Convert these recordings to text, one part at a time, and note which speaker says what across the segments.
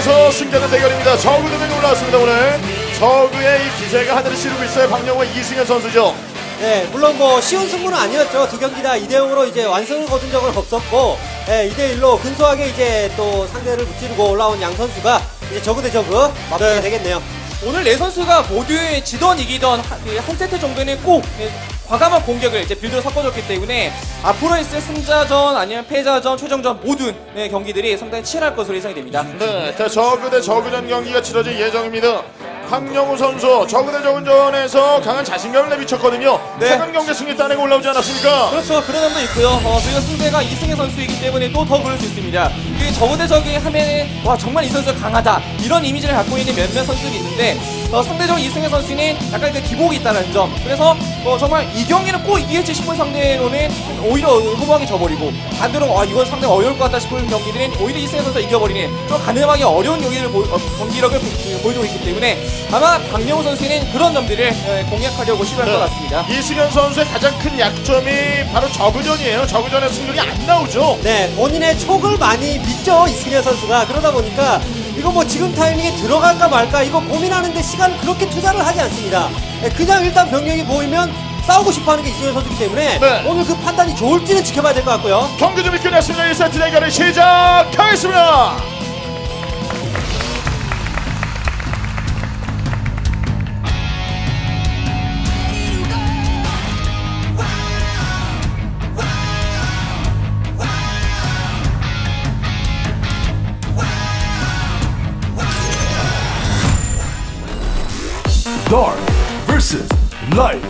Speaker 1: 계속해서 승자는 대결입니다. 저그 등에 올라왔습니다. 오늘 저그의 이 기세가 하늘을 찌르고 있어요. 박영호와 이승현 선수죠.
Speaker 2: 네, 물론 뭐 쉬운 승부는 아니었죠. 두 경기 다 2대0으로 이제 완승을 거둔 적은 없었고, 2대1로 근소하게 이제 또 상대를 무찌르고 올라온 양 선수가 이제 저그 대 저그 맞붙게 되겠네요.
Speaker 3: 오늘 네 선수가 모두 지던 이기던 한 세트 정도는 꼭 과감한 공격을 이제 빌드로 섞어줬기 때문에 앞으로 있을 승자전 아니면 패자전, 최종전 모든 경기들이 상당히 치열할 것으로 예상이 됩니다.
Speaker 1: 네, 자, 저그 대 저그전 경기가 치러질 예정입니다. 박영호 선수 저그 대 저그전에서 강한 자신감을 내비쳤거든요.
Speaker 3: 네.
Speaker 1: 최강 경기 승리 따내고 올라오지 않았습니까?
Speaker 3: 그렇죠. 그런 점도 있고요. 그리고 상대가 이승현 선수이기 때문에 또 더 그럴 수 있습니다. 그 저그 대 저그 하면은 와 정말 이 선수가 강하다 이런 이미지를 갖고 있는 몇몇 선수들이 있는데 상대적으로 이승현 선수는 약간 그 기복이 있다는 점. 그래서 정말 이 경기는 꼭 이기겠지 싶은 상대로는 오히려 허무하게 져버리고 반대로 이건 상당히 어려울 것 같다 싶은 경기들은 오히려 이승현 선수가 이겨버리는 좀 가늠하기 어려운 경기력을 보여주고 있기 때문에 아마 박영호 선수는 그런 점들을 공략하려고 시도할 것 같습니다.
Speaker 1: 이승현 선수의 가장 큰 약점이 바로 저그전이에요. 저그전의 승률이 안 나오죠.
Speaker 2: 네, 본인의 촉을 많이 믿죠, 이승현 선수가. 그러다 보니까 이거 뭐 지금 타이밍에 들어갈까 말까 이거 고민하는데 시간을 그렇게 투자를 하지 않습니다. 그냥 일단 병력이 보이면 싸우고 싶어하는 게 이승현 선수이기 때문에 오늘 그 판단이 좋을지는 지켜봐야 될 것 같고요.
Speaker 1: 경기 준비 끝났습니다. 1세트 대결을 시작하겠습니다.
Speaker 4: Dark vs. Light.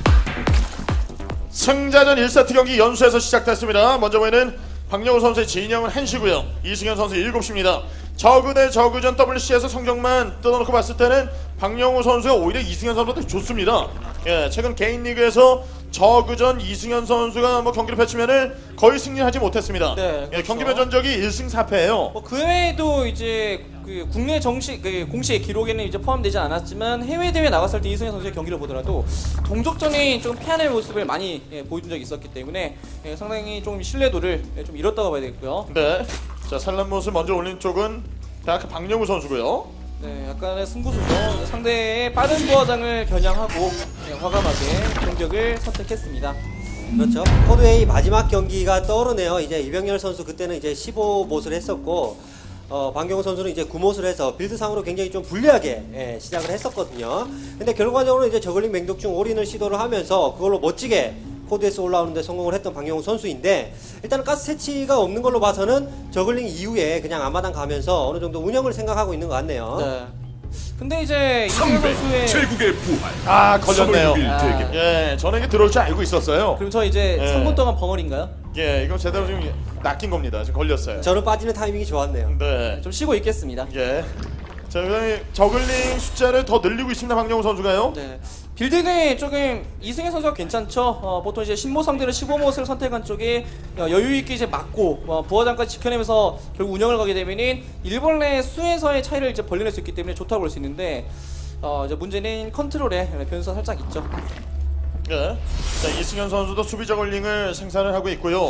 Speaker 1: 승자전 1세트 경기 연수에서 시작됐습니다. 먼저 보이는 박영호 선수의 진영은 1시고요. 이승현 선수 7시입니다. 저그 대 저그전 WC에서 성적만 뜯어놓고 봤을 때는 박영호 선수가 오히려 이승현 선수한테 좋습니다. 예, 최근 개인 리그에서 저그전 이승현 선수가 뭐 경기를 펼치면은 거의 승리하지 못했습니다.
Speaker 3: 네, 그렇죠.
Speaker 1: 예, 경기별 전적이 1승 4패예요.
Speaker 3: 그 외에도 이제 그 국내 정식 공식 기록에는 이제 포함되지 않았지만 해외 대회 나갔을 때 이승현 선수의 경기를 보더라도 동족전이 좀 패하는 모습을 많이 보여준 적이 있었기 때문에 상당히 좀 신뢰도를 좀 잃었다고 봐야 되겠고요.
Speaker 1: 네, 자 산란못을 먼저 올린 쪽은 대학 박영호 선수고요.
Speaker 3: 네, 약간의 승부수죠. 상대의 빠른 부하장을 겨냥하고 과감하게 공격을 선택했습니다.
Speaker 2: 그렇죠. 코드 A 마지막 경기가 떠오르네요. 이제 이병렬 선수 그때는 이제 15못을 했었고, 박영호 선수는 이제 9못을 해서 빌드상으로 굉장히 좀 불리하게 시작을 했었거든요. 근데 결과적으로 이제 저글링 맹독충 올인을 시도를 하면서 그걸로 멋지게 코드에서 올라오는데 성공을 했던 박영호 선수인데, 일단은 가스 채취가 없는 걸로 봐서는 저글링 이후에 그냥 앞마당 가면서 어느 정도 운영을 생각하고 있는 것 같네요.
Speaker 3: 네. 근데 이제 이승현 선수의
Speaker 4: 제국의 부활.
Speaker 1: 아, 걸렸네요.
Speaker 4: 3월 6일 대결.
Speaker 1: 예, 저는 이게 들어올 줄 알고 있었어요.
Speaker 3: 그럼 저 이제 3분 동안 벙어리인가요?
Speaker 1: 예, 이건 제대로 지금 낚인 겁니다. 지금 걸렸어요.
Speaker 2: 저는 빠지는 타이밍이 좋았네요.
Speaker 1: 네.
Speaker 3: 좀 쉬고 있겠습니다.
Speaker 1: 예. 자, 그다음에 저글링 숫자를 더 늘리고 있습니다. 박영호 선수가요.
Speaker 3: 네. 빌드는 조금 이승현 선수가 괜찮죠. 보통 이제 10못 상대로 15못을 선택한 쪽에 여유 있게 이제 맞고 부하장까지 지켜내면서 결국 운영을 가게 되면은 일벌레 수에서의 차이를 이제 벌려낼 수 있기 때문에 좋다고 볼 수 있는데 이제 문제는 컨트롤에 변수가 살짝 있죠.
Speaker 1: 예. 자, 이승현 선수도 수비 저글링을 생산을 하고 있고요.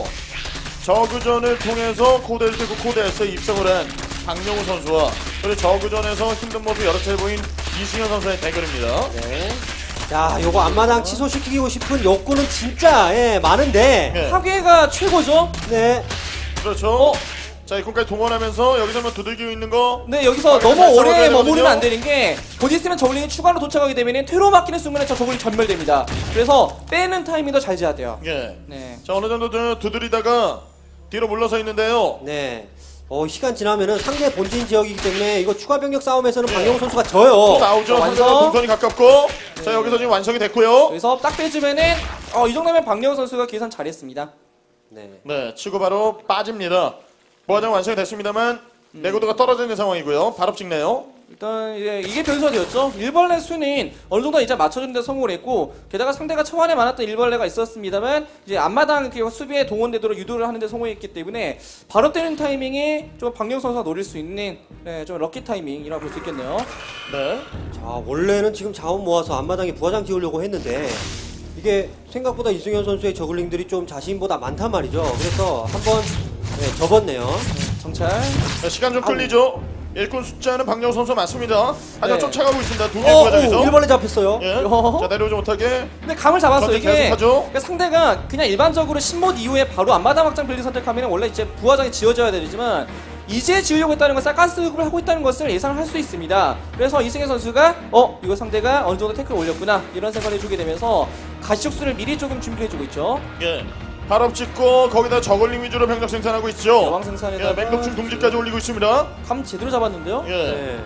Speaker 1: 저그전을 통해서 코드 1대9 코드 S에 입성을 한 박영호 선수와 그리고 저그전에서 힘든 모습 여러 차례 보인 이승현 선수의 대결입니다.
Speaker 2: 네. 자, 요거 앞마당 취소시키고 싶은 욕구는 진짜 많은데.
Speaker 1: 네.
Speaker 3: 파괴가 최고죠.
Speaker 2: 네.
Speaker 1: 그렇죠. 자, 이군까지 동원하면서 여기서만 두들기고 있는 거.
Speaker 3: 네, 여기서
Speaker 1: 잘
Speaker 3: 너무 오래
Speaker 1: 싸워줘야
Speaker 3: 머무르면 안
Speaker 1: 되거든요.
Speaker 3: 되는 게 곧 있으면 저글링이 추가로 도착하게 되면 퇴로 막히는 순간에 저 저글링 전멸됩니다. 그래서 빼는 타이밍도 잘 재야 돼요.
Speaker 1: 예.
Speaker 3: 네.
Speaker 1: 자, 어느 정도 두드리다가 뒤로 물러서 있는데요.
Speaker 2: 네. 시간 지나면은 상대 본진 지역이기 때문에 이거 추가 병력 싸움에서는
Speaker 1: 네.
Speaker 2: 박영호 선수가
Speaker 1: 또
Speaker 2: 져요.
Speaker 1: 나오죠.
Speaker 3: 완성.
Speaker 1: 상대가 동선이 가깝고. 자, 여기서 지금 완성이 됐고요.
Speaker 3: 여기서 딱 빼주면은 이 정도면 박영호 선수가 계산 잘했습니다.
Speaker 2: 네.
Speaker 1: 네, 치고 바로 빠집니다. 보아장 완성이 됐습니다만 내구도가 떨어져 있는 상황이고요. 바로 찍네요.
Speaker 3: 일단 이게 변수가 되었죠. 일벌레 수는 어느 정도 이제 맞춰주는 데 성공을 했고 게다가 상대가 초반에 많았던 일벌레가 있었습니다만 이제 앞마당 수비에 동원되도록 유도를 하는 데 성공했기 때문에 바로 때리는 타이밍이 좀 박영호 선수가 노릴 수 있는 좀 럭키 타이밍이라고 볼 수 있겠네요.
Speaker 1: 네.
Speaker 2: 자, 원래는 지금 자원 모아서 앞마당에 부하장 지으려고 했는데 이게 생각보다 이승현 선수의 저글링들이 좀 자신보다 많단 말이죠. 그래서 한번 접었네요.
Speaker 3: 정찰.
Speaker 1: 자, 시간 좀 끌리죠. 일꾼 숫자는 박영우 선수 맞습니다. 하지만
Speaker 3: 네.
Speaker 1: 쫓아가고 있습니다. 두 개의 과정에서.
Speaker 2: 1번에 잡혔어요.
Speaker 1: 예.
Speaker 3: 어?
Speaker 1: 자, 내려오지 못하게.
Speaker 3: 근데 감을 잡았어요.
Speaker 1: 전쟁
Speaker 3: 이게
Speaker 1: 계속하죠.
Speaker 3: 그러니까 상대가 그냥 일반적으로 신mod 이후에 바로 앞마당 확장 빌드 선택하면 원래 이제 부화장이 지어져야 되지만 이제 지으려고 했다는 것은 가스급을 하고 있다는 것을 예상을 할 수 있습니다. 그래서 이승현 선수가 이거 상대가 어느 정도 태클을 올렸구나 이런 생각을 해주게 되면서 가시적수를 미리 조금 준비해주고 있죠.
Speaker 1: 예. 발업 찍고 거기다 저글링 위주로 병력 생산하고 있죠.
Speaker 3: 여왕 생산에다가
Speaker 1: 예, 맹독충 둥지까지 올리고 있습니다.
Speaker 3: 감 제대로 잡았는데요.
Speaker 1: 예.
Speaker 2: 네.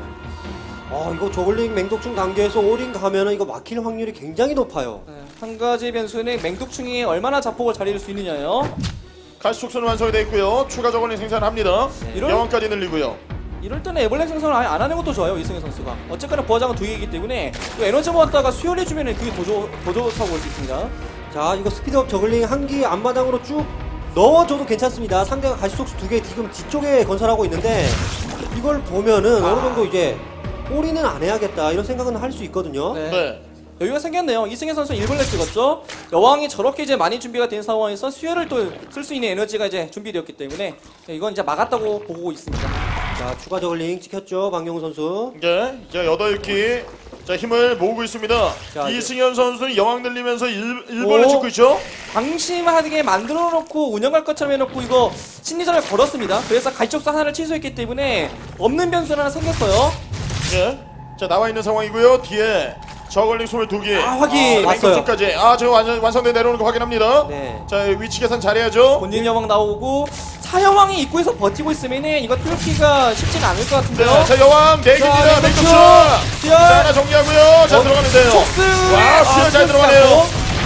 Speaker 2: 이거 저글링 맹독충 단계에서 올인 가면은 이거 막힐 확률이 굉장히 높아요.
Speaker 3: 네, 한 가지 변수는 맹독충이 얼마나 자폭을 잘 이룰 수 있느냐요.
Speaker 1: 가시촉수는 완성이 되어 있고요. 추가 저글링 생산합니다.
Speaker 3: 이럴-
Speaker 1: 여왕까지 늘리고요.
Speaker 3: 이럴 때는 애벌레 생성을 아예 안 하는 것도 좋아요, 이승현 선수가. 어쨌거나 부하장은 두 개이기 때문에 또 에너지 모았다가 수혈해주면 그게 더 좋다고 볼 수 있습니다.
Speaker 2: 자, 이거 스피드업 저글링 한기 앞마당으로 쭉 넣어줘도 괜찮습니다. 상대가 가시속수 2개 지금 뒤쪽에 건설하고 있는데 이걸 보면은 어느 정도 이제 올인은 안 해야겠다 이런 생각은 할 수 있거든요.
Speaker 3: 네.
Speaker 1: 네.
Speaker 3: 여유가 생겼네요. 이승현 선수 1벌레 찍었죠. 여왕이 저렇게 이제 많이 준비가 된 상황에서 수혈을 또 쓸 수 있는 에너지가 이제 준비되었기 때문에 이건 이제 막았다고 보고 있습니다.
Speaker 2: 자, 추가 저글링 찍혔죠, 박영우 선수.
Speaker 1: 예. 자, 8기. 자, 힘을 모으고 있습니다.
Speaker 2: 자,
Speaker 1: 이승현 선수는 여왕 늘리면서 1번을
Speaker 3: 오.
Speaker 1: 찍고 있죠.
Speaker 3: 방심하게 만들어 놓고 운영할 것처럼 해놓고 이거 심리전을 걸었습니다. 그래서 가시적수 하나를 취소했기 때문에 없는 변수는 하나 생겼어요.
Speaker 1: 예. 자, 나와 있는 상황이고요. 뒤에 저글링 22개.
Speaker 3: 확인.
Speaker 2: 왔어요.
Speaker 1: 맹독충까지. 지금 완성돼 내려오는 거 확인합니다.
Speaker 2: 네.
Speaker 1: 자, 위치 계산 잘해야죠.
Speaker 3: 본진 여왕 나오고 사여왕이 입구에서 버티고 있으면은 이거 뚫기가 쉽지는 않을 것 같은데요.
Speaker 1: 네, 자, 여왕 4개입니다.
Speaker 3: 자,
Speaker 1: 맹독충.
Speaker 3: 수열.
Speaker 1: 자, 하나 정리하고요. 자, 들어가는데요.
Speaker 3: 촉수.
Speaker 1: 와, 수열 잘 들어가네요.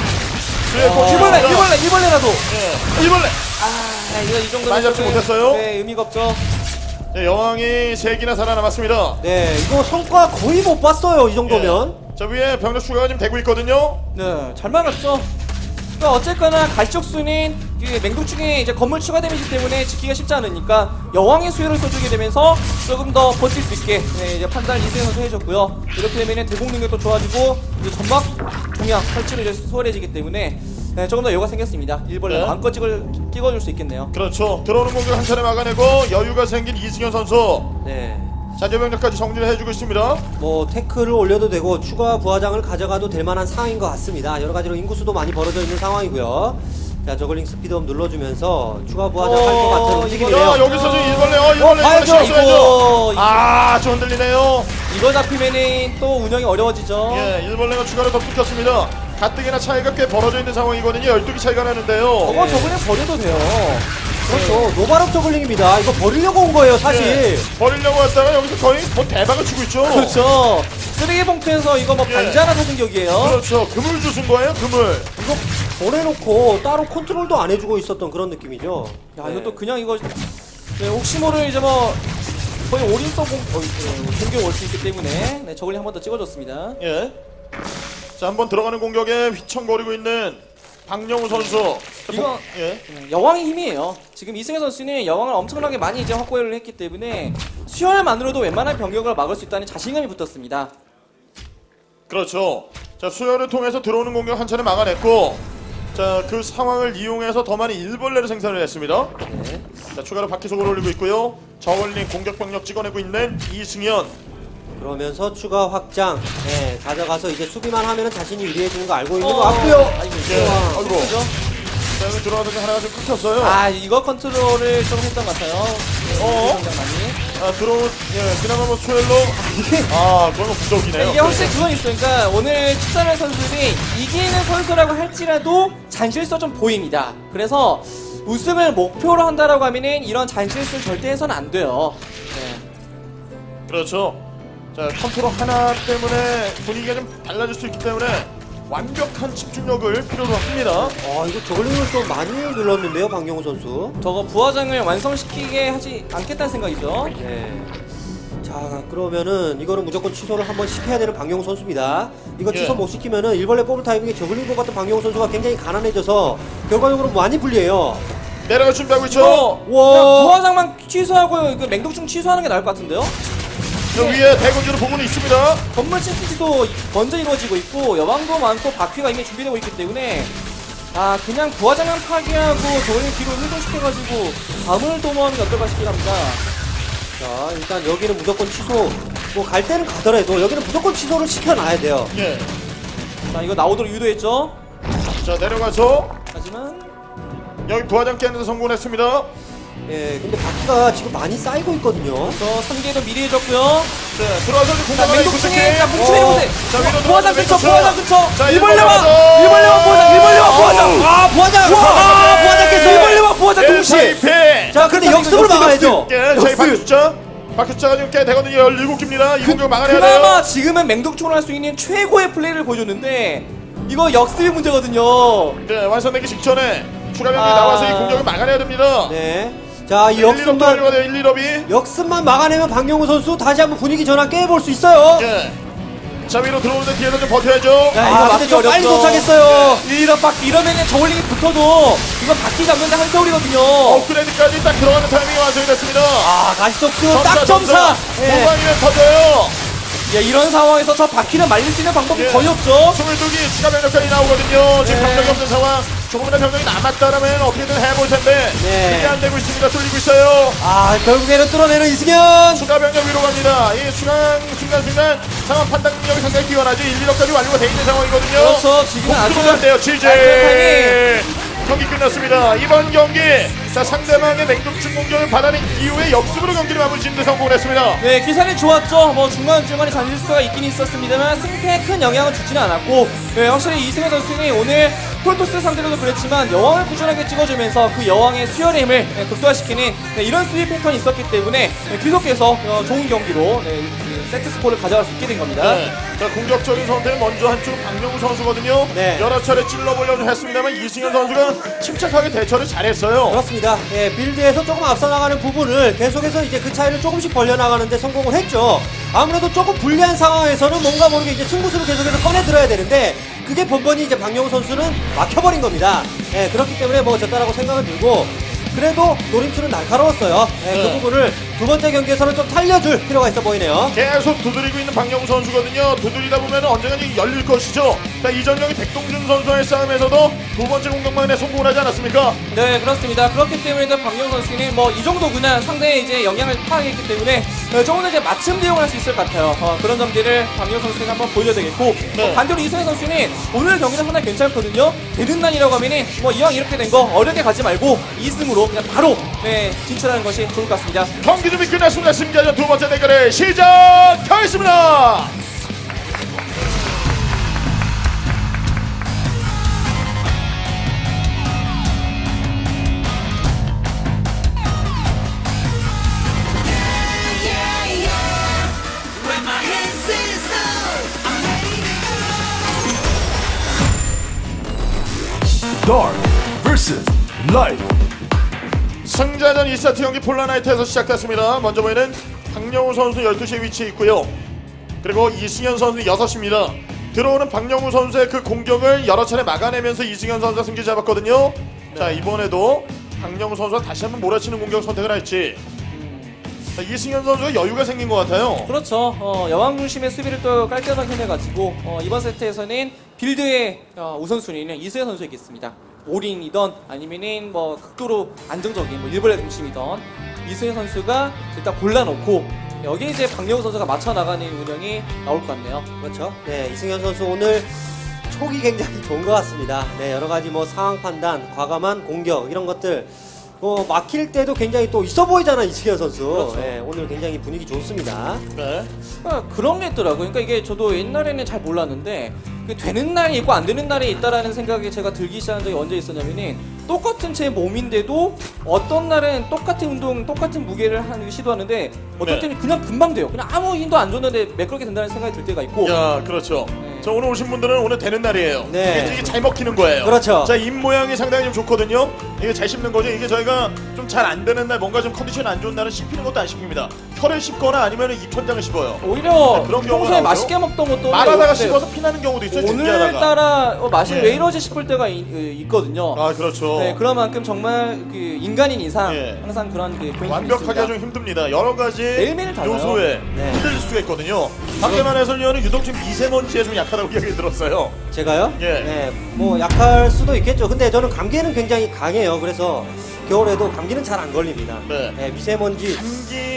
Speaker 1: 수열 꼭
Speaker 3: 일벌레라도.
Speaker 1: 예. 1벌레.
Speaker 3: 이거 이 정도면
Speaker 1: 많이 잡지
Speaker 3: 조금,
Speaker 1: 못했어요?
Speaker 3: 네, 의미가 없죠.
Speaker 1: 네, 여왕이 3개나 살아남았습니다.
Speaker 2: 네, 이거 성과 거의 못 봤어요, 이 정도면.
Speaker 1: 예. 자, 위에 병력 추가가 지금 되고 있거든요.
Speaker 3: 네, 잘 막았죠. 그러니까 어쨌거나 가시적수는 맹독충에 이제 건물 추가 데미지 때문에 지키기가 쉽지 않으니까 여왕의 수혈을 써주게 되면서 조금 더 버틸 수 있게 이제 판단을 이승현 선수 해줬고요. 이렇게 되면 대공 능력도 좋아지고 이제 점막 동향 설치로 이제 수월해지기 때문에 조금 더 여유가 생겼습니다. 일벌레
Speaker 1: 네.
Speaker 3: 마음껏 찍어줄 수 있겠네요.
Speaker 1: 그렇죠. 들어오는 공격 한 차례 막아내고 여유가 생긴 이승현 선수.
Speaker 2: 네.
Speaker 1: 잔여 병력까지 정리를 해주고 있습니다.
Speaker 2: 뭐 태클을 올려도 되고 추가 부하장을 가져가도 될 만한 상황인 것 같습니다. 여러 가지로 인구수도 많이 벌어져 있는 상황이고요. 자, 저글링 스피드업 눌러주면서 추가 부하장 할 것 같은 움직임이네요.
Speaker 1: 야, 여기서 지금 1벌레. 1벌레
Speaker 2: 봐야죠.
Speaker 1: 씌웠어야죠.
Speaker 3: 이거
Speaker 1: 좀 흔들리네요.
Speaker 3: 이거 잡히면은 또 운영이 어려워지죠.
Speaker 1: 예, 1벌레가 추가로 더 붙었습니다. 가뜩이나 차이가 꽤 벌어져 있는 상황이거든요. 12개 차이가 나는데요.
Speaker 3: 저거 그냥 버려도 돼요.
Speaker 2: 그렇죠. 노바롭 저글링입니다. 이거 버리려고 온 거예요, 사실.
Speaker 1: 예, 버리려고 했다가 여기서 거의 뭐 대박을 치고 있죠.
Speaker 3: 그렇죠. 쓰레기 봉투에서 이거 뭐
Speaker 1: 예.
Speaker 3: 반지 하나 사준 격이에요.
Speaker 1: 그렇죠. 금을 주신 거예요, 금을.
Speaker 2: 이거 보내놓고 따로 컨트롤도 안 해주고 있었던 그런 느낌이죠.
Speaker 3: 야, 이것도 그냥 이거 네, 혹시 모를 이제 뭐 거의 올인성 공격 올 수 있기 때문에 네, 저걸 한 번 더 찍어줬습니다.
Speaker 1: 예. 자, 한번 들어가는 공격에 휘청거리고 있는 박영우 선수.
Speaker 3: 이거
Speaker 1: 예.
Speaker 3: 여왕의 힘이에요. 지금 이승현 선수는 여왕을 엄청나게 많이 이제 확보를 했기 때문에 수혈만으로도 웬만한 병력을 막을 수 있다는 자신감이 붙었습니다.
Speaker 1: 그렇죠. 자, 수혈을 통해서 들어오는 공격 한 차례 막아냈고, 자, 그 상황을 이용해서 더 많은 일벌레를 생산을 했습니다.
Speaker 2: 네.
Speaker 1: 자, 추가로 바퀴 속으로 올리고 있고요. 저울링 공격 병력 찍어내고 있는 이승현.
Speaker 2: 그러면서 추가 확장. 네, 가져가서 이제 수비만 하면 자신이 유리해지는 거 알고 있는 것 같고요.
Speaker 1: 예.
Speaker 3: 와,
Speaker 1: 아이고.
Speaker 3: 그죠?
Speaker 1: 자, 여기 들어가서 하나가 좀 끊겼어요.
Speaker 3: 아, 이거 컨트롤을 좀 했던 것 같아요.
Speaker 1: 어? 예, 그나마 뭐 수혈로. 그건 뭐 부족이네요.
Speaker 3: 이게 확실히 그건 있어요. 그러니까 오늘 출전한 선수들이 이기는 선수라고 할지라도 잔실수 좀 보입니다. 그래서 우승을 목표로 한다라고 하면은 이런 잔실수 절대 해서는 안 돼요. 네.
Speaker 1: 그렇죠. 자, 컨트롤 하나 때문에 분위기가 좀 달라질 수 있기 때문에 완벽한 집중력을 필요로 합니다.
Speaker 2: 이거 저글링을 좀 많이 눌렀는데요, 박영우 선수.
Speaker 3: 저거 부화장을 완성시키게 하지 않겠다는 생각이죠.
Speaker 2: 네. 자, 그러면은 이거는 무조건 취소를 한번 시켜야 되는 박영우 선수입니다. 이거
Speaker 1: 예.
Speaker 2: 취소 못 시키면은 일벌레 뽑을 타이밍에 저글링 뽑았던 박영우 선수가 굉장히 가난해져서 결과적으로 많이 불리해요.
Speaker 1: 내려갈 준비하고 있죠.
Speaker 3: 그냥 부화장만 취소하고 그 맹독충 취소하는 게 나을 것 같은데요.
Speaker 1: 저 위에 대군주로 부분이 있습니다.
Speaker 3: 건물 심시티도 먼저 이루어지고 있고 여왕도 많고 바퀴가 이미 준비되고 있기 때문에 그냥 부화장만 파괴하고 저를 뒤로 회전시켜가지고 밤을 도모하는 게 어떨까 싶긴 합니다.
Speaker 2: 자, 일단 여기는 무조건 취소. 뭐 갈 때는 가더라도 여기는 무조건 취소를 시켜놔야 돼요.
Speaker 1: 예.
Speaker 3: 자, 이거 나오도록 유도했죠.
Speaker 1: 자, 내려가서
Speaker 3: 하지만
Speaker 1: 여기 부하장 깨는 데 성공했습니다.
Speaker 2: 예, 근데 바퀴가 지금 많이 쌓이고 있거든요.
Speaker 3: 저 3개도 미리 해줬고요.
Speaker 1: 네, 들어와서 이제
Speaker 3: 자,
Speaker 1: 공격하기
Speaker 3: 맹독충에 자,
Speaker 1: 구색해.
Speaker 3: 뭉쳐해보세요.
Speaker 1: 자, 위로
Speaker 3: 부하장 근처, 부하장 근처.
Speaker 1: 자,
Speaker 3: 일벌레와 부하장, 일벌레와 부하장.
Speaker 2: 아, 부하장! 아, 부하장 깼어요!
Speaker 3: 일벌레와 부하장 동시에.
Speaker 2: 자, 근데 역습을 막아야죠.
Speaker 1: 예, 저희 박숫자. 박숫자가 지금 꽤 되거든요. 17개입니다. 이 공격 막아내야 돼요.
Speaker 3: 그나마 지금은 맹독충을 할 수 있는 최고의 플레이를 보여줬는데 이거 역습이 문제거든요.
Speaker 1: 네, 완성되기 직전에 추가 병력이
Speaker 3: 아.
Speaker 1: 나와서 이 공격을 막아내야 됩니다.
Speaker 2: 네. 자, 이
Speaker 1: 1, 2럽
Speaker 2: 역습만,
Speaker 1: 돌려야 돼요. 1, 2럽이.
Speaker 2: 역습만 막아내면 박용우 선수 다시 한번 분위기 전환 깨볼 수 있어요.
Speaker 1: 예. 자, 위로 들어오는데 뒤에서 좀 버텨야죠.
Speaker 3: 야,
Speaker 2: 아, 근데 좀 빨리 도착했어요.
Speaker 3: 이런 바퀴 이러면은 저울링이 붙어도 이건 바퀴 잡는데 한 세월이거든요.
Speaker 1: 업그레이드까지 딱 들어가는 타이밍이 완성이 됐습니다.
Speaker 2: 아, 가시속도 딱 점사. 예.
Speaker 1: 후방이면 터져요.
Speaker 3: 야, 이런 상황에서 저 바퀴를 말릴 수 있는 방법이
Speaker 1: 예.
Speaker 3: 거의 없죠.
Speaker 1: 22기 추가 병력까지 나오거든요. 지금
Speaker 2: 네.
Speaker 1: 병력이 없는 상황. 조금이나 병력이 남았다라면 어떻게든 해볼 텐데
Speaker 2: 네.
Speaker 1: 그게 안 되고 있습니다. 뚫리고 있어요.
Speaker 2: 아, 결국에는 뚫어내는 이승현.
Speaker 1: 추가 병력 위로 갑니다. 이 순간순간 상황 판단 능력이 상당히 뛰어나죠. 1, 2력까지 완료가 돼 있는 상황이거든요.
Speaker 3: 그렇죠. 지금은 아주
Speaker 1: 안 돼요.
Speaker 3: 깔끔한
Speaker 1: 지제 경기 끝났습니다. 이번 경기 자 상대방의 맹독충 공격을 받아낸 이후에 역습으로 경기를 마무리 짓는 데 성공했습니다.
Speaker 3: 네, 기사는 좋았죠. 뭐 중간중간에 잔실수가 있긴 있었습니다만 승패에 큰 영향을 주지는 않았고, 네, 확실히 이승현 선수는 오늘 프로토스 상대로도 그랬지만 여왕을 꾸준하게 찍어주면서 그 여왕의 수혈의 힘을 극도화시키는 이런 수비 패턴이 있었기 때문에 계속해서 좋은 경기로 그 세트 스코어를 가져갈 수 있게 된 겁니다.
Speaker 1: 네. 자 공격적인 선택은 먼저 한쪽은 박명우 선수거든요.
Speaker 2: 네.
Speaker 1: 여러 차례 찔러보려고 했습니다만 이승현 선수가 침착하게 대처를 잘했어요.
Speaker 2: 그렇습니다. 예, 빌드에서 조금 앞서 나가는 부분을 계속해서 이제 그 차이를 조금씩 벌려나가는데 성공을 했죠. 아무래도 조금 불리한 상황에서는 뭔가 모르게 이제 승부수를 계속해서 꺼내들어야 되는데 그게 번번이 이제 박용우 선수는 막혀버린 겁니다. 예, 그렇기 때문에 뭐 졌다라고 생각을 들고 그래도 노림수는 날카로웠어요. 예,
Speaker 1: 네.
Speaker 2: 그 부분을 두 번째 경기에서는 좀 살려줄 필요가 있어 보이네요.
Speaker 1: 계속 두드리고 있는 박영우 선수거든요. 두드리다 보면 언젠가 열릴 것이죠. 자, 이전경기 백동준 선수와의 싸움에서도 두 번째 공격만에 성공을 하지 않았습니까?
Speaker 3: 네, 그렇습니다. 그렇기 때문에 박명 선수는 뭐 이 정도구나 상대의 이제 영향을 파악했기 때문에 조금 더 이제 맞춤 대응을 할 수 있을 것 같아요. 그런 점들을 박명 선수는 한번 보여줘야 되겠고
Speaker 1: 네.
Speaker 3: 반대로 이승현 선수는 오늘 경기는 상당히 괜찮거든요. 되는 난이라고 하면은 뭐 이왕 이렇게 된 거 어렵게 가지 말고 2승으로 그냥 바로 진출하는 것이 좋을 것 같습니다.
Speaker 1: 경기 준비 끝났습니다. 승자전 두 번째 대결을 시작하겠습니다.
Speaker 4: Dark versus Light.
Speaker 1: 승자전 2세트 경기 폴라나이트에서 시작됐습니다. 먼저 보이는 박영우 선수 12시에 위치해 있고요. 그리고 이승현 선수 6시입니다. 들어오는 박영우 선수의 그 공격을 여러 차례 막아내면서 이승현 선수가 승기 잡았거든요. 자, 이번에도 박영우 선수가 다시 한번 몰아치는 공격 선택을 할지. 자, 이승현 선수가 여유가 생긴 것 같아요.
Speaker 3: 그렇죠. 여왕 중심의 수비를 또 깔끔하게 해내가지고 이번 세트에서는 빌드의 우선순위는 이승현 선수에겠습니다. 올인이던 아니면은 뭐 극도로 안정적인 뭐 일벌레 중심이던 이승현 선수가 일단 골라놓고 여기에 이제 박영우 선수가 맞춰 나가는 운영이 나올 것 같네요.
Speaker 2: 그렇죠. 네, 이승현 선수 오늘 촉이 굉장히 좋은 것 같습니다. 네, 여러 가지 뭐 상황 판단, 과감한 공격 이런 것들 막힐 때도 굉장히 또 있어 보이잖아 이승현 선수.
Speaker 3: 그렇죠.
Speaker 2: 네, 오늘 굉장히 분위기 좋습니다.
Speaker 1: 네.
Speaker 3: 그런 게 있더라고요. 그러니까 이게 저도 옛날에는 잘 몰랐는데 되는 날이 있고 안 되는 날이 있다라는 생각이 제가 들기 시작한 적이 언제 있었냐면은 똑같은 제 몸인데도 어떤 날은 똑같은 운동, 똑같은 무게를 하는 시도하는데 어떤
Speaker 1: 네.
Speaker 3: 때는 그냥 금방 돼요. 그냥 아무 힘도 안 줬는데 매끄럽게 된다는 생각이 들 때가 있고.
Speaker 1: 야, 그렇죠.
Speaker 3: 네.
Speaker 1: 자, 오늘 오신 분들은 오늘 되는 날이에요.
Speaker 2: 네.
Speaker 1: 이게 잘 먹히는 거예요.
Speaker 2: 그렇죠.
Speaker 1: 자, 입 모양이 상당히 좀 좋거든요. 이게 잘 씹는 거죠. 이게 저희가 좀 잘 안 되는 날, 뭔가 좀 컨디션 안 좋은 날은 씹히는 것도 안 씹힙니다. 혀를 씹거나 아니면 입천장을 씹어요.
Speaker 3: 오히려
Speaker 1: 네, 그런 경우가
Speaker 3: 평소에
Speaker 1: 나오죠?
Speaker 3: 맛있게 먹던 것도
Speaker 1: 말하다가
Speaker 3: 근데
Speaker 1: 씹어서 피나는 경우도 있어요. 준비하다가.
Speaker 3: 오늘따라 맛이
Speaker 1: 네.
Speaker 3: 왜 이러지 싶을 때가 있거든요.
Speaker 1: 아, 그렇죠.
Speaker 3: 네, 그런 만큼 정말 그 인간인 이상
Speaker 1: 예.
Speaker 3: 항상 그런 그 포인트가
Speaker 1: 완벽하게
Speaker 3: 있습니다.
Speaker 1: 좀 힘듭니다. 여러 가지
Speaker 3: 매일매일 달라요.
Speaker 1: 요소에
Speaker 2: 네.
Speaker 1: 흔들릴 수가 있거든요. 밖에만 해서는 유독 좀 미세먼지에 좀 약하다고 이야기 들었어요.
Speaker 2: 제가요?
Speaker 1: 예.
Speaker 2: 네, 뭐 약할 수도 있겠죠. 근데 저는 감기에는 굉장히 강해요. 그래서 겨울에도 감기는 잘 안 걸립니다.
Speaker 1: 네.
Speaker 2: 미세먼지.
Speaker 1: 감기는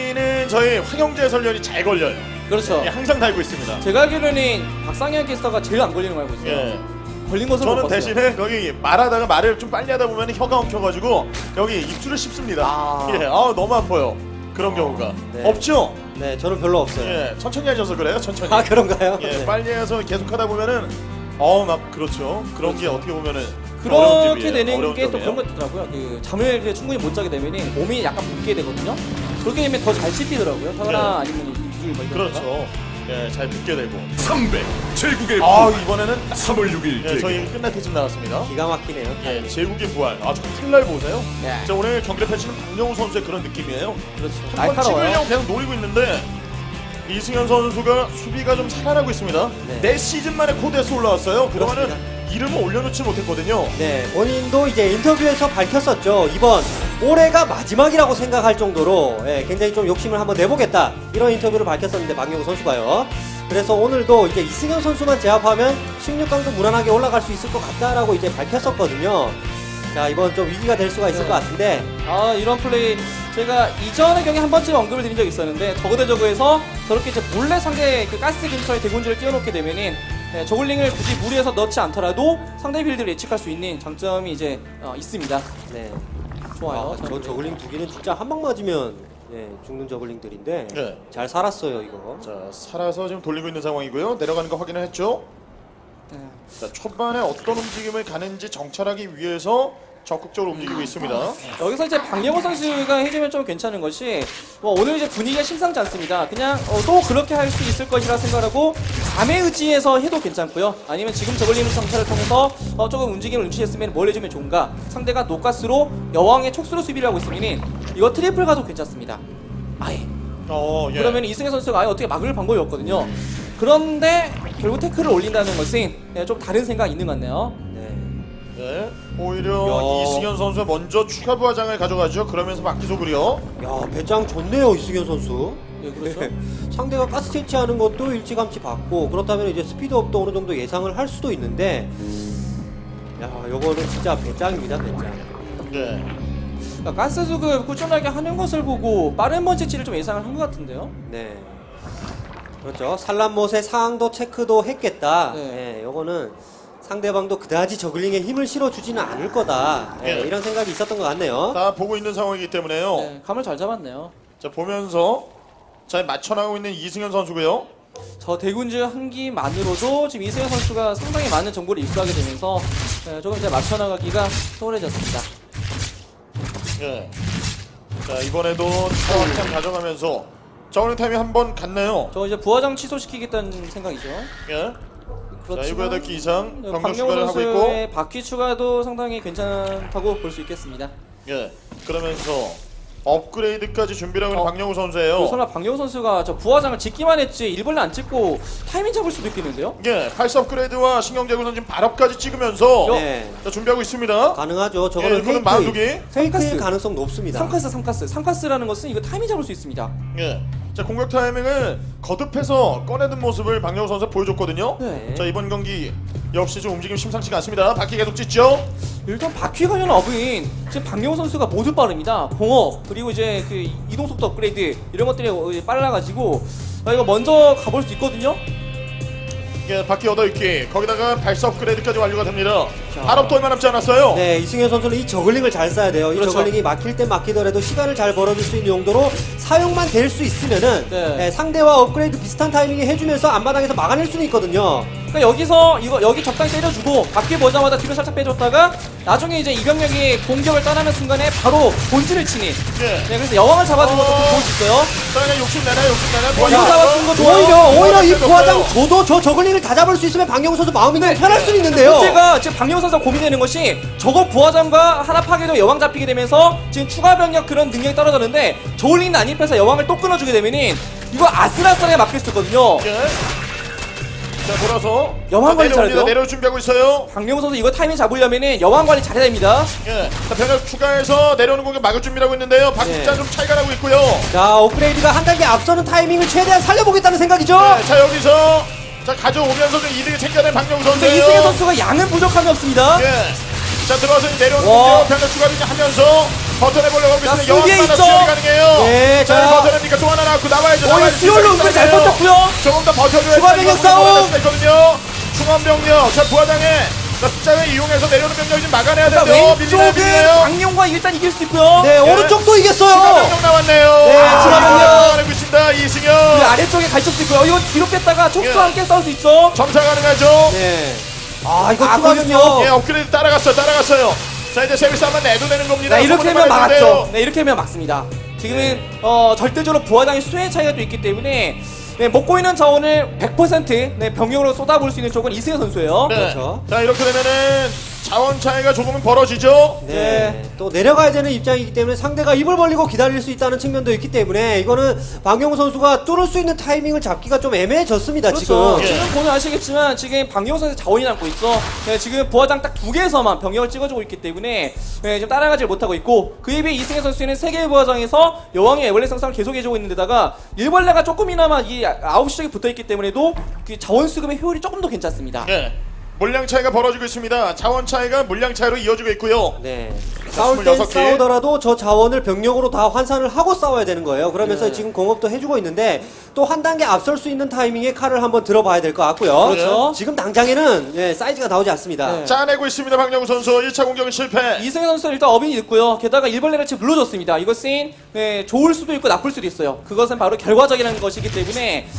Speaker 1: 여기엔 저희 황영재 해설위원이 잘 걸려요.
Speaker 3: 그렇죠.
Speaker 1: 예, 항상 달고 있습니다.
Speaker 3: 제가 알기로는 박상현 캐스터가 제일 안 걸리는 거 알고 있어요.
Speaker 1: 예.
Speaker 3: 걸린 것을 못
Speaker 1: 저는
Speaker 3: 봤어요.
Speaker 1: 대신에 여기 말하다가 말을 좀 빨리 하다 보면 혀가 엉켜가지고 여기 입술을 씹습니다.
Speaker 3: 아.
Speaker 1: 예, 너무 아파요. 그런 경우가
Speaker 2: 네.
Speaker 1: 없죠.
Speaker 2: 네, 저는 별로 없어요.
Speaker 1: 예, 천천히 하셔서 그래요. 천천히.
Speaker 2: 아, 그런가요?
Speaker 1: 예,
Speaker 2: 네.
Speaker 1: 빨리 해서 계속 하다 보면은 막 그렇죠. 그런 게 어떻게 보면은 어려운
Speaker 3: 그렇게
Speaker 1: 점이에요.
Speaker 3: 되는
Speaker 1: 어려운
Speaker 3: 게 또
Speaker 1: 점이에요.
Speaker 3: 그런 거 있더라고요. 그 잠을 이제 충분히 못 자게 되면 몸이 약간 붓게 되거든요. 그렇게 되면 더 잘 씹히더라고요. 혀나 아니면 입술 뭐 이런 거가.
Speaker 1: 그렇죠. 예, 잘 붙게 되고.
Speaker 4: 300 제국의
Speaker 1: 이번에는
Speaker 4: 3월 6일
Speaker 1: 예, 저희 끝날 때쯤 나왔습니다.
Speaker 2: 기가 막히네요.
Speaker 1: 예, 제국의 부활. 저 칼날 보세요.
Speaker 3: 예.
Speaker 1: 자, 오늘 경기를 펼치는 박영우 선수의 그런 느낌이에요.
Speaker 3: 그렇죠.
Speaker 1: 한번
Speaker 3: 날카로워요.
Speaker 1: 찍으려고 계속 노리고 있는데 이승현 선수가 수비가 좀 살아나고 있습니다.
Speaker 2: 네.
Speaker 1: 네 시즌 만에 코드에서 올라왔어요. 그동안은
Speaker 2: 그렇습니다.
Speaker 1: 이름을 올려놓지 못했거든요.
Speaker 2: 네, 본인도 이제 인터뷰에서 밝혔었죠. 이번 올해가 마지막이라고 생각할 정도로 굉장히 좀 욕심을 한번 내보겠다 이런 인터뷰를 밝혔었는데 박영우 선수가요. 그래서 오늘도 이제 이승현 선수만 제압하면 16강도 무난하게 올라갈 수 있을 것 같다라고 이제 밝혔었거든요. 자, 이번 좀 위기가 될 수가 있을
Speaker 3: 네.
Speaker 2: 것 같은데.
Speaker 3: 이런 플레이 제가 이전의 경기 한 번쯤 언급을 드린 적이 있었는데 저거 대 저거에서 저렇게 이제 몰래 상대 그 가스 근처에 대군주를 띄워놓게 되면은 저글링을 굳이 무리해서 넣지 않더라도 상대 빌드를 예측할 수 있는 장점이 이제 있습니다.
Speaker 2: 네.
Speaker 3: 좋아요.
Speaker 2: 저 저글링 두 개는 진짜 한 방 맞으면 죽는 저글링들인데
Speaker 1: 네.
Speaker 2: 잘 살았어요 이거.
Speaker 1: 자, 살아서 지금 돌리고 있는 상황이고요. 내려가는 거 확인을 했죠.
Speaker 3: 네.
Speaker 1: 자, 초반에 어떤 움직임을 가는지 정찰하기 위해서 적극적으로 움직이고 있습니다.
Speaker 3: 여기서 이제 박영호 선수가 해주면 좀 괜찮은 것이 오늘 이제 분위기가 심상치 않습니다. 그냥 또 그렇게 할 수 있을 것이라 생각하고 감에 의지해서 해도 괜찮고요. 아니면 지금 저글링 정찰을 통해서 조금 움직임을 눈치챘으면 뭘 해주면 좋은가. 상대가 노가스로 여왕의 촉수로 수비를 하고 있으면 이거 트리플 가도 괜찮습니다. 아예.
Speaker 1: 예.
Speaker 3: 그러면 이승현 선수가 아예 어떻게 막을 방법이 없거든요. 그런데 결국 태클을 올린다는 것은 좀 다른 생각이 있는 것 같네요.
Speaker 1: 네. 오히려
Speaker 2: 야.
Speaker 1: 이승현 선수가 먼저 추가 부하장을 가져가죠. 그러면서 막기속을요.
Speaker 2: 야, 배짱 좋네요 이승현 선수.
Speaker 3: 예, 그렇죠.
Speaker 2: 상대가 가스 채취하는 것도 일찌감치 받고 그렇다면 이제 스피드업도 어느 정도 예상을 할 수도 있는데, 야, 요거는 진짜 배짱입니다 배짱.
Speaker 1: 네.
Speaker 3: 그러니까 가스 수급 꾸준하게 하는 것을 보고 빠른 번째치를 좀 예상을 한 것 같은데요.
Speaker 2: 네. 그렇죠. 산란못의 상황도 체크도 했겠다.
Speaker 3: 네.
Speaker 2: 네, 요거는 상대방도 그다지 저글링에 힘을 실어주지는 않을 거다.
Speaker 1: 네.
Speaker 2: 이런 생각이 있었던 것 같네요.
Speaker 1: 다 보고 있는 상황이기 때문에요.
Speaker 3: 네, 감을 잘 잡았네요.
Speaker 1: 자, 보면서 잘 맞춰나가고 있는 이승현 선수고요.
Speaker 3: 저 대군주 한기만으로도 지금 이승현 선수가 상당히 많은 정보를 입수하게 되면서 조금 이제 맞춰나가기가 수월해졌습니다.
Speaker 1: 예. 자, 이번에도 차왕탕 가져가면서 저울링 타임이 한 번 갔나요?
Speaker 3: 저 이제 부하장 취소시키겠다는 생각이죠.
Speaker 1: 예. 자,
Speaker 3: 그렇지만
Speaker 1: 7개 이상 병력
Speaker 3: 박명호
Speaker 1: 추가를 하고 있고.
Speaker 3: 선수의 바퀴 추가도 상당히 괜찮다고 볼 수 있겠습니다.
Speaker 1: 예. 그러면서 업그레이드까지 준비를 하고 있는 박영우 선수예요.
Speaker 3: 설마 박영호 선수가 저 부하장을 짓기만 했지 일벌레 안 찍고 타이밍 잡을 수도 있겠는데요?
Speaker 1: 예. 8스 업그레이드와 신경제구선 지금 발업까지 찍으면서
Speaker 2: 네.
Speaker 1: 자, 준비하고 있습니다.
Speaker 2: 가능하죠.
Speaker 1: 예,
Speaker 2: 저거는
Speaker 1: 이거는 마두기.
Speaker 2: 페이크일
Speaker 3: 삼카스.
Speaker 2: 가능성 높습니다.
Speaker 3: 3카스라는 것은 이거 타이밍 잡을 수 있습니다.
Speaker 1: 예. 자, 공격 타이밍을 거듭해서 꺼내든 모습을 박영우 선수가 보여줬거든요.
Speaker 3: 네.
Speaker 1: 자, 이번 경기 역시 좀 움직임 심상치가 않습니다. 바퀴 계속 찢죠.
Speaker 3: 일단 바퀴 관련 업은 지금 박영호 선수가 모두 빠릅니다. 공업 그리고 이제 그 이동 속도 업그레이드 이런 것들이 빨라가지고 이거 먼저 가볼 수 있거든요.
Speaker 1: 예, 바퀴 8개 거기다가 발사 업그레이드까지 완료가 됩니다.
Speaker 3: 자.
Speaker 1: 발업도 얼마 남지 않았어요.
Speaker 2: 네, 이승현 선수는 이 저글링을 잘 써야 돼요.
Speaker 3: 그렇죠.
Speaker 2: 이 저글링이 막힐 땐 막히더라도 시간을 잘 벌어줄 수 있는 용도로 사용만 될 수 있으면은
Speaker 3: 네.
Speaker 2: 상대와 업그레이드 비슷한 타이밍에 해주면서 앞마당에서 막아낼 수는 있거든요.
Speaker 3: 그러니까 여기서 여기 적당히 때려주고 바퀴 보자마자 뒤로 살짝 빼줬다가 나중에 이제 이병력이 공격을 떠나는 순간에 바로 본진을 치는.
Speaker 1: 예.
Speaker 3: 네, 그래서 여왕을 잡아준 것도 좋을 수 있어요.
Speaker 1: 자, 그냥 욕심내나요.
Speaker 3: 이거 잡아준 거 좋아요.
Speaker 2: 오히려 이
Speaker 1: 잡혔어요.
Speaker 2: 부하장 줘도 저 저글링을 다 잡을 수 있으면 박영우 선수 마음이 좀 편할 수 있는데요.
Speaker 3: 문제가 지금 박영호 선수가 고민되는 것이 저거 부하장과 하나 파괴도 여왕 잡히게 되면서 지금 추가 병력 그런 능력이 떨어졌는데 저울링 난입해서 여왕을 또 끊어주게 되면은 이거 아슬아슬하게 막힐 수 있거든요.
Speaker 1: 예. 자, 돌아서
Speaker 3: 여왕 관리 잘해요.
Speaker 1: 내려올 준비하고 있어요.
Speaker 3: 박영호 선수 이거 타이밍 잡으려면은 여왕 관리 잘해야 됩니다.
Speaker 1: 예. 자, 병력 추가해서 내려오는 공격 막을 준비하고 있는데요. 박자
Speaker 2: 네.
Speaker 1: 좀 차이가 나고 있고요.
Speaker 2: 자, 업그레이드가 한 단계 앞서는 타이밍을 최대한 살려보겠다는 생각이죠.
Speaker 1: 네, 자, 여기서 자, 가져오면서 좀 이득을 챙겨낸 박영우
Speaker 3: 근데
Speaker 1: 선수예요.
Speaker 3: 이승현 선수가 양은 부족함이 없습니다.
Speaker 1: 예. 자, 들어와서 내려오는
Speaker 3: 와.
Speaker 1: 공격 병력 추가를 이제 하면서 버텨내보려고 하고 있는데
Speaker 3: 수비에
Speaker 1: 여왕 하나
Speaker 3: 있죠.
Speaker 1: 수혈이 가능해요.
Speaker 2: 네,
Speaker 1: 자,
Speaker 2: 자.
Speaker 1: 버텨냅니까? 또 하나 나왔고 나와야죠. 나와야죠.
Speaker 3: 수혈로 은근히 잘
Speaker 1: 싸움이에요.
Speaker 3: 버텼고요.
Speaker 1: 조금 더 버텨줘야
Speaker 2: 추가 병력 싸움.
Speaker 1: 있거든요. 중앙병력. 자, 부하장에 숫자를 이용해서 내려오는 병력이 좀 막아내야
Speaker 3: 자,
Speaker 1: 되는데요.
Speaker 3: 왼쪽은
Speaker 1: 밀리네요.
Speaker 3: 박용과 일단 이길 수 있고요.
Speaker 2: 네,
Speaker 1: 예.
Speaker 2: 오른쪽도
Speaker 1: 추가
Speaker 2: 이겼어요.
Speaker 1: 병력 나왔네요.
Speaker 2: 네, 추가 병력.
Speaker 1: 내고 있습니다. 이승현.
Speaker 3: 그 아래쪽에 갇힐 수 있고요. 이건 뒤로 뺐다가 촉수와
Speaker 1: 예.
Speaker 3: 함께 싸울 수 있죠.
Speaker 1: 점사 가능하죠.
Speaker 2: 네. 아, 이거
Speaker 3: 아,
Speaker 2: 추가
Speaker 3: 그렇군요.
Speaker 2: 병력.
Speaker 1: 예, 업그레이드 따라갔어요. 자, 이제 세비스 한번 내도 되는 겁니다.
Speaker 3: 네, 이렇게
Speaker 1: 소문이
Speaker 3: 하면
Speaker 1: 많이
Speaker 3: 막았죠.
Speaker 1: 되는데요.
Speaker 3: 네, 이렇게 하면 막습니다. 지금은 절대적으로 부하장의 수의 차이가 또 있기 때문에 네, 먹고 있는 자원을 100% 네, 병력으로 쏟아부을 수 있는 쪽은 이승현 선수예요.
Speaker 1: 네.
Speaker 2: 그렇죠.
Speaker 1: 자, 이렇게 되면은 자원 차이가 조금은 벌어지죠.
Speaker 2: 네. 또 내려가야 되는 입장이기 때문에 상대가 입을 벌리고 기다릴 수 있다는 측면도 있기 때문에 이거는 박용우 선수가 뚫을 수 있는 타이밍을 잡기가 좀 애매해졌습니다.
Speaker 3: 그렇죠.
Speaker 2: 지금.
Speaker 3: 지금 보면 아시겠지만 지금 박용호 선수 자원이 남고 있죠. 네, 지금 부하장 딱 2개에서만 병력을 찍어주고 있기 때문에 네, 지금 따라가지 못하고 있고 그에 비해 이승현 선수는 3개의 부하장에서 여왕의 애벌레 상상을 계속해주고 있는데다가 일벌레가 조금이나마 이 9시 쪽에 붙어있기 때문에도 그 자원 수급의 효율이 조금 더 괜찮습니다.
Speaker 1: 예. 물량 차이가 벌어지고 있습니다. 자원 차이가 물량 차이로 이어지고 있고요.
Speaker 2: 네. 싸울 땐
Speaker 1: 26개.
Speaker 2: 싸우더라도 저 자원을 병력으로 다 환산을 하고 싸워야 되는 거예요. 그러면서
Speaker 3: 네.
Speaker 2: 지금 공업도 해주고 있는데 또 한 단계 앞설 수 있는 타이밍에 칼을 한번 들어봐야 될 것 같고요.
Speaker 3: 그렇죠.
Speaker 2: 지금 당장에는 예, 사이즈가 나오지 않습니다.
Speaker 3: 네.
Speaker 1: 짜내고 있습니다. 박영우 선수 1차 공격은 실패.
Speaker 3: 이승현 선수는 일단 어빈이 늦고요. 게다가 일벌레를 지금 물러줬습니다. 이것은 네, 좋을 수도 있고 나쁠 수도 있어요. 그것은 바로 결과적이라는 것이기 때문에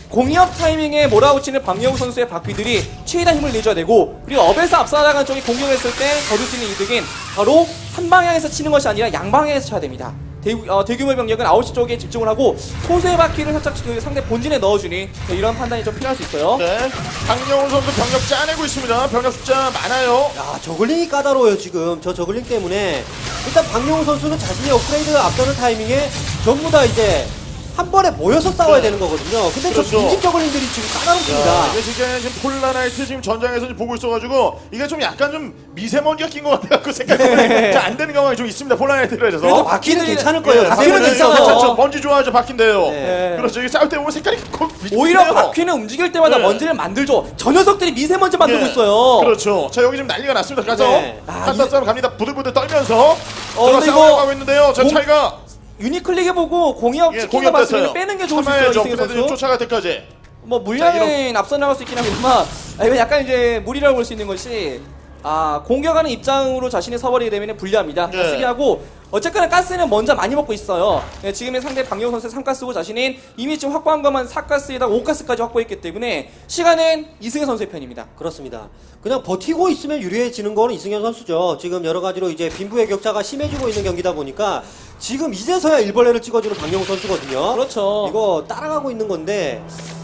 Speaker 3: 공이업 타이밍에 몰아붙이는 박영우 선수의 바퀴들이 최대한 힘을 내줘야 되고 그리고 업에서 앞서나가는 쪽이 공격했을 때 거둘 수 있는 이득은 바로 한 방향에서 치는 것이 아니라 양방향에서 쳐야 됩니다. 대규모 병력은 9시 쪽에 집중을 하고 소수의 바퀴를 살짝 그 상대 본진에 넣어주는 네, 이런 판단이 좀 필요할 수 있어요.
Speaker 1: 네. 박영우 선수 병력 짜내고 있습니다. 병력 숫자 많아요.
Speaker 2: 야, 저글링이 까다로워요 지금. 저 저글링 때문에 일단 박용우 선수는 자신의 업그레이드 앞서는 타이밍에 전부 다 이제 한 번에 모여서 싸워야 되는 거거든요. 근데
Speaker 1: 그렇죠.
Speaker 2: 저 빈집 저글링들이 지금 까다롭습니다.
Speaker 1: 이게 지금 폴라나이트 지금 전장에서 지금 보고 있어가지고 이게 좀 약간 좀 미세먼지가 낀 것 같아갖고 생각보다 잘 안 되는 경향이 좀 있습니다. 폴라나이트를 해서.
Speaker 2: 그래도 바퀴는
Speaker 3: 바퀴들이-
Speaker 2: 괜찮을 거예요.
Speaker 1: 예,
Speaker 3: 바퀴는
Speaker 1: 바퀴는
Speaker 3: 괜찮아요.
Speaker 1: 괜찮죠. 먼지 좋아하죠. 바퀴인데요.
Speaker 2: 네.
Speaker 1: 그렇죠. 이게 싸울 때 보면 색깔이
Speaker 3: 오히려
Speaker 1: 비슷해요.
Speaker 3: 바퀴는 움직일 때마다
Speaker 1: 네.
Speaker 3: 먼지를 만들죠. 저 녀석들이 미세먼지 만들고
Speaker 1: 예.
Speaker 3: 있어요.
Speaker 1: 그렇죠. 자, 여기 지금 난리가 났습니다. 가서
Speaker 2: 네.
Speaker 1: 한타 싸움 갑니다. 부들부들 떨면서
Speaker 3: 근데
Speaker 1: 들어가
Speaker 3: 이거
Speaker 1: 싸움을 하고 있는데요. 자,
Speaker 3: 공-
Speaker 1: 차이가
Speaker 3: 유니클릭 해보고 공이업
Speaker 1: 예,
Speaker 3: 치킨 거
Speaker 1: 공격됐어요.
Speaker 3: 봤으면 빼는 게 좋을 수 있어요. 이승현 선수.
Speaker 1: 쫓아갈 때까지.
Speaker 3: 뭐 물량은 앞서 나갈 수 있긴 합니다만 이건 약간 이제 무리라고 볼 수 있는 것이 공격하는 입장으로 자신이 서버리게 되면 불리합니다.
Speaker 1: 네.
Speaker 3: 쓰기하고 어쨌거나 가스는 먼저 많이 먹고 있어요. 네, 지금의 상대 박영우 선수의 3가스고 자신은 이미 지금 확보한 것만 4가스에다가 5가스까지 확보했기 때문에 시간은 이승현 선수의 편입니다.
Speaker 2: 그렇습니다. 그냥 버티고 있으면 유리해지는 거는 이승현 선수죠. 지금 여러 가지로 이제 빈부의 격차가 심해지고 있는 경기다 보니까 지금 이제서야 일벌레를 찍어주는 박영우 선수거든요.
Speaker 3: 그렇죠.
Speaker 2: 이거 따라가고 있는 건데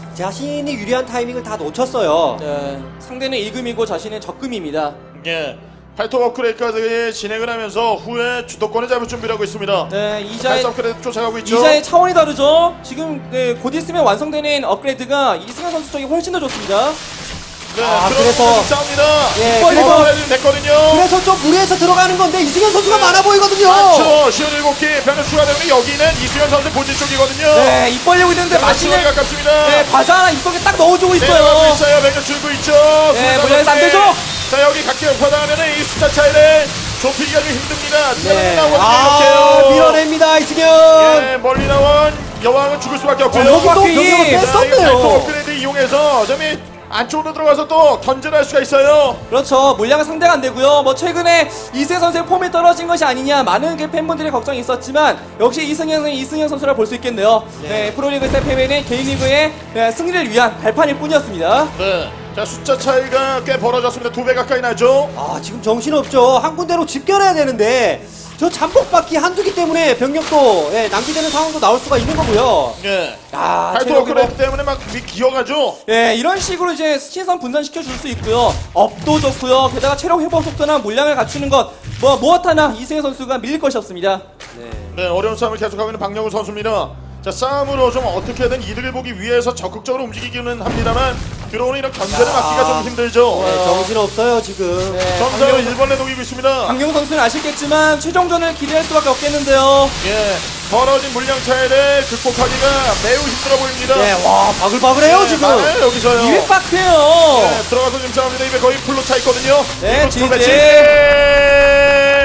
Speaker 2: 자신이 유리한 타이밍을 다 놓쳤어요.
Speaker 3: 네, 상대는 1금이고 자신은 적금입니다.
Speaker 1: 예. 팔토 업그레이드까지 진행을 하면서 후에 주도권을 잡을 준비를 하고 있습니다.
Speaker 3: 네,
Speaker 1: 팔토 업그레이드 쫓아가고 있죠.
Speaker 3: 이자의 차원이 다르죠. 지금 네, 곧 있으면 완성되는 업그레이드가 이승현 선수 쪽이 훨씬 더 좋습니다.
Speaker 1: 네,
Speaker 2: 그래서-
Speaker 1: 싸웁니다.
Speaker 2: 예,
Speaker 1: 그리고
Speaker 2: 그래서-
Speaker 1: 됐거든요.
Speaker 2: 그래서 좀 무리해서 들어가는 건데 이승현 선수가 많아 보이거든요.
Speaker 1: 맞죠. 시원 7개 변력 추가되면 여기는 이수현 선수 본진 쪽이거든요.
Speaker 3: 네, 입 벌리고 있는데 마시는
Speaker 1: 가깝습니다.
Speaker 3: 네, 과자 하나 입속에 딱 넣어주고
Speaker 1: 내려가고
Speaker 3: 있어요.
Speaker 1: 있어요. 병력 줄고 있죠.
Speaker 3: 네, 물량에서 안 되죠?
Speaker 1: 자, 여기 각기 ଉପ하다하면은 이 숫자 차이를 좁히기가 좀 힘듭니다.
Speaker 2: 네.
Speaker 1: 나오거든요. 이렇게요.
Speaker 2: 밀어냅니다 이승현.
Speaker 1: 예, 멀리 나온 여왕은 죽을 수밖에 없고요.
Speaker 2: 여기도
Speaker 3: 바퀴.
Speaker 2: 병력을
Speaker 1: 자, 이 팔토
Speaker 2: 뺐었네요.
Speaker 1: 업그레이드 이용해서 점이 안쪽으로 들어가서 또 견제할 수가 있어요.
Speaker 3: 그렇죠. 물량은 상대가 안 되고요. 뭐 최근에 이승현 선수의 폼이 떨어진 것이 아니냐 많은 그 팬분들의 걱정이 있었지만 역시 이승현 선수라 볼 수 있겠네요. 네, 프로리그에서 패배는 개인 리그의 승리를 위한 발판일 뿐이었습니다.
Speaker 1: 네. 자, 숫자 차이가 꽤 벌어졌습니다. 2배 가까이 나죠.
Speaker 2: 아 지금 정신없죠. 한 군데로 집결해야 되는데 저 잠복바퀴 한두 개 때문에 병력도 낭비되는 상황도 나올 수가 있는 거고요.
Speaker 1: 예.
Speaker 3: 아,
Speaker 1: 팔토 업그레이드 때문에 막 기어가죠.
Speaker 3: 예, 이런 식으로 이제 신선 분산시켜 줄 수 있고요. 업도 좋고요. 게다가 체력 회복 속도나 물량을 갖추는 것 무엇 하나 이승현 선수가 밀릴 것이 없습니다.
Speaker 1: 네, 어려운 싸움을 계속하고 있는 박영우 선수입니다. 자, 싸움으로 좀 어떻게든 이득을 보기 위해서 적극적으로 움직이기는 합니다만 들어오는 이런 견제를 막기가 좀 힘들죠.
Speaker 2: 네, 정신없어요 지금.
Speaker 3: 네,
Speaker 1: 점점 일벌레 녹이고 있습니다.
Speaker 3: 박영우 선수는 아시겠지만 최종전을 기대할 수밖에 없겠는데요.
Speaker 1: 예, 벌어진 물량 차이를 극복하기가 매우 힘들어 보입니다.
Speaker 2: 네, 와 바글바글해요 지금.
Speaker 1: 많아요, 여기서요.
Speaker 3: 200바크예요.
Speaker 1: 네, 들어가서 지금 싸웁니다. 입에 거의 풀로 차 있거든요.
Speaker 3: 네,
Speaker 1: 이거 두 배,
Speaker 3: 지지.
Speaker 1: 지지.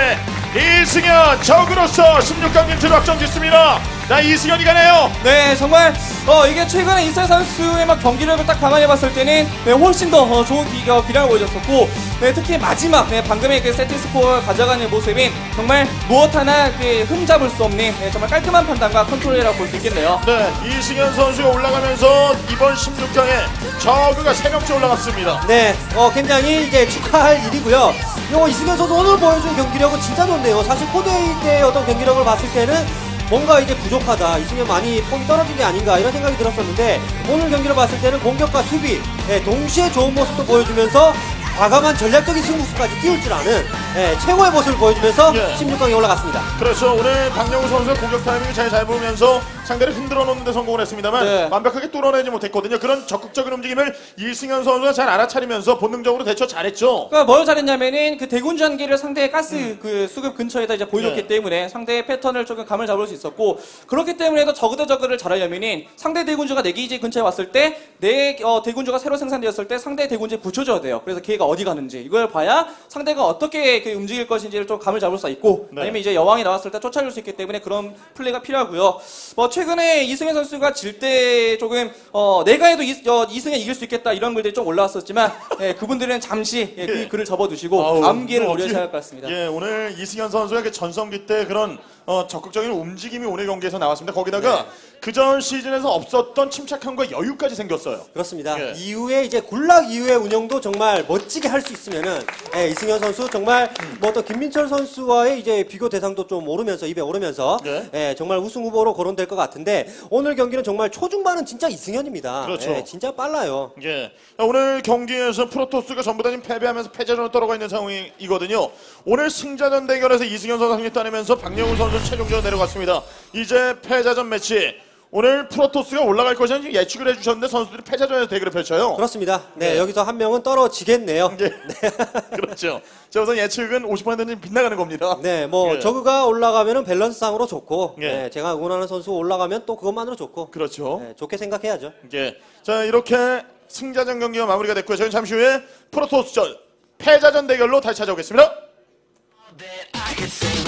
Speaker 1: 이승현 적으로서 16강전 들어확정 짓습니다. 자, 이승현이 가네요.
Speaker 3: 네, 정말 이게 최근에 이승현 선수의 막 경기력을 딱 감안해 봤을 때는 네, 훨씬 더 좋은 기량을 보여줬었고, 네, 특히 마지막 방금의 그 세트 스코어를 가져가는 모습이 정말 무엇 하나 흠잡을 수 없는 정말 깔끔한 판단과 컨트롤이라고 볼 수 있겠네요.
Speaker 1: 네, 이승현 선수가 올라가면서 이번 16강에 저그가 3명째 올라갔습니다.
Speaker 2: 네, 굉장히 이제 축하할 일이고요. 이승현 선수 오늘 보여준 경기력은 진짜 좋네요. 사실 코드A 때의 어떤 경기력을 봤을 때는 뭔가 이제 부족하다, 이승현 많이 폼이 떨어진 게 아닌가 이런 생각이 들었었는데, 오늘 경기를 봤을 때는 공격과 수비 동시에 좋은 모습도 보여주면서 과감한 전략적인 승부수까지 띄울 줄 아는 최고의 모습을 보여주면서 16강에 올라갔습니다.
Speaker 1: 그렇죠. 오늘 박영우 선수가 공격 타이밍을 잘 잡으면서 상대를 흔들어 놓는 데 성공을 했습니다만
Speaker 3: 네.
Speaker 1: 완벽하게 뚫어내지 못했거든요. 그런 적극적인 움직임을 이승현 선수가 잘 알아차리면서 본능적으로 대처 잘했죠.
Speaker 3: 그러니까 뭘 잘했냐면은 그 대군주 한기를 상대의 가스 그 수급 근처에다 이제 보여줬기
Speaker 1: 네.
Speaker 3: 때문에 상대의 패턴을 조금 감을 잡을 수 있었고, 그렇기 때문에도 저그 대 저그를 잘하려면은 상대 대군주가 내 기지 근처에 왔을 때 내 대군주가 새로 생산되었을 때 상대 대군주에 붙여줘야 돼요. 그래서 걔가 어디 가는지 이걸 봐야 상대가 어떻게 움직일 것인지를 좀 감을 잡을 수 있고,
Speaker 1: 네.
Speaker 3: 아니면 이제 여왕이 나왔을 때 쫓아줄 수 있기 때문에 그런 플레이가 필요하고요. 최근에 이승현 선수가 질 때 조금 내가 해도 이승현 이길 수 있겠다 이런 글들이 좀 올라왔었지만 그분들은 잠시 그 글을 접어두시고 다음 기회를 노려야 할 것 같습니다.
Speaker 1: 예, 오늘 이승현 선수의 그 전성기 때 그런 적극적인 움직임이 오늘 경기에서 나왔습니다. 거기다가 그전 시즌에서 없었던 침착함과 여유까지 생겼어요.
Speaker 2: 그렇습니다.
Speaker 1: 예.
Speaker 2: 이후에 이제 굴락 이후의 운영도 정말 멋지게 할 수 있으면은 이승현 선수 정말 뭐 어떤 김민철 선수와의 이제 비교 대상도 좀 오르면서 입에 오르면서 정말 우승 후보로 거론될 것 같은데, 오늘 경기는 정말 초중반은 진짜 이승현입니다.
Speaker 1: 그렇죠.
Speaker 2: 진짜 빨라요.
Speaker 1: 예. 오늘 경기에서 프로토스가 전부 다 지금 패배하면서 패자전으로 떨어가 있는 상황이거든요. 오늘 승자전 대결에서 이승현 선수 승리 따내면서 박영우 선수 최종전 내려갔습니다. 이제 패자전 매치. 오늘 프로토스가 올라갈 것이라는 지금 예측을 해주셨는데 선수들이 패자전에서 대결을 펼쳐요.
Speaker 2: 그렇습니다. 네, 여기서 한 명은 떨어지겠네요.
Speaker 1: 예. 그렇죠. 자, 우선 예측은 50%는 빗나가는 겁니다.
Speaker 2: 네, 뭐
Speaker 1: 예.
Speaker 2: 저그가 올라가면은 밸런스상으로 좋고,
Speaker 1: 예.
Speaker 2: 제가 응원하는 선수 올라가면 또 그것만으로 좋고,
Speaker 1: 그렇죠.
Speaker 2: 좋게 생각해야죠.
Speaker 1: 예. 자, 이렇게 승자전 경기가 마무리가 됐고요. 저희는 잠시 후에 프로토스전 패자전 대결로 다시 찾아오겠습니다.
Speaker 5: that I could say